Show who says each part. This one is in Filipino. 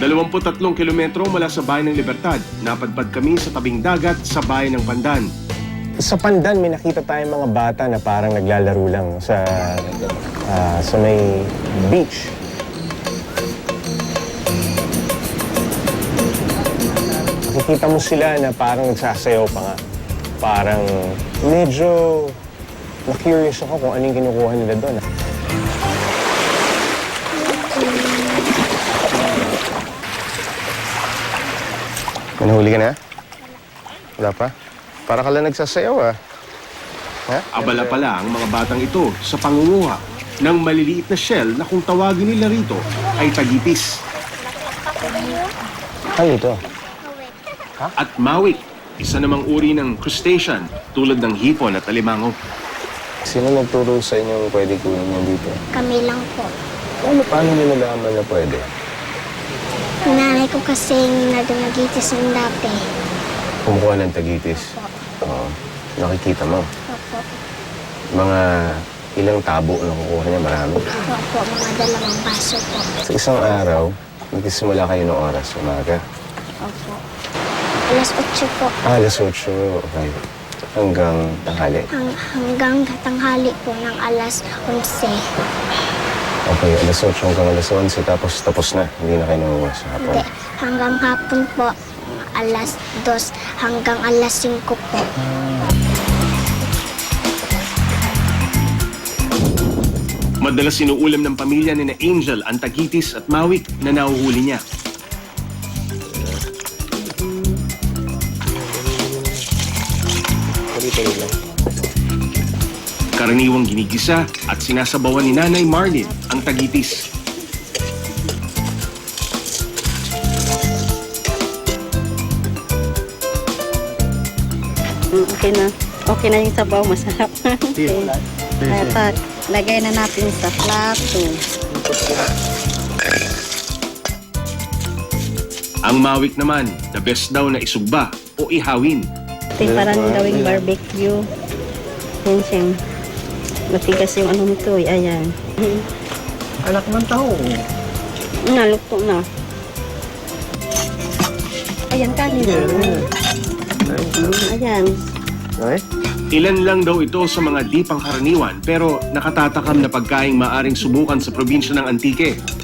Speaker 1: 23 kilometro mula sa Bayan ng Libertad, napadpad kami sa tabing dagat sa Bayan ng Pandan.
Speaker 2: Sa Pandan, may nakita tayong mga bata na parang naglalaro lang sa may beach. Nakikita mo sila na parang nagsasayaw pa nga. Parang medyo na-curious ako kung ano yung kinukuha nila doon. May nahuli ka na? Wala pa? Para ka lang nagsasayaw, ah. Ha?
Speaker 1: Abala pala ang mga batang ito sa pangunguha ng maliliit na shell na kung tawagin nila rito ay tagitis.
Speaker 2: Ano ito?
Speaker 1: At mawik, isa namang uri ng crustacean tulad ng hipon at alimango.
Speaker 2: Sino nagturo sa inyo pwede kunin yan dito?
Speaker 3: Kami lang po.
Speaker 2: Paano nyo nalaman na pwede?
Speaker 3: Nanay ko kasing nagitis ng dati.
Speaker 2: Kumukuha ng tagitis. Oo. Nakikita mo.
Speaker 3: Opo.
Speaker 2: Mga ilang tabo na kukuha niya, marami.
Speaker 3: Opo, mga 2 baso po.
Speaker 2: Sa isang araw, nagsisimula kayo ng oras, umaga.
Speaker 3: Opo. Alas 8 po.
Speaker 2: Alas 8, okay. Hanggang tanghali.
Speaker 3: Hanggang tanghali po ng alas 11.
Speaker 2: Okay, alas 8 hanggang alas 11, tapos na. Hindi na kayo nanguha sa hapon.
Speaker 3: Hindi, hanggang hapon po. Alas 2 hanggang alas 5 po.
Speaker 1: Madalas sinuulam ng pamilya ni na Angel ang tagitis at mawik na nahuhuli niya. Karaniwang ginigisa at sinasabawan ni Nanay Marlene ang tagitis.
Speaker 4: Okay na. Okay na yung sabaw, masarap. Okay. At lagay na natin sa plato.
Speaker 1: Ang mawik naman, the best daw na isugba o ihawin.
Speaker 4: Ito yung parang gawing barbecue. Yan siyang matigas yung ano nito. Ayan.
Speaker 2: Anak ng tao.
Speaker 4: Naluto na. Ayan, kanin. Ayan.
Speaker 2: Okay?
Speaker 1: Ilan lang daw ito sa mga di pangkaraniwan pero nakatatakam na pagkaing maaring subukan sa probinsya ng Antique.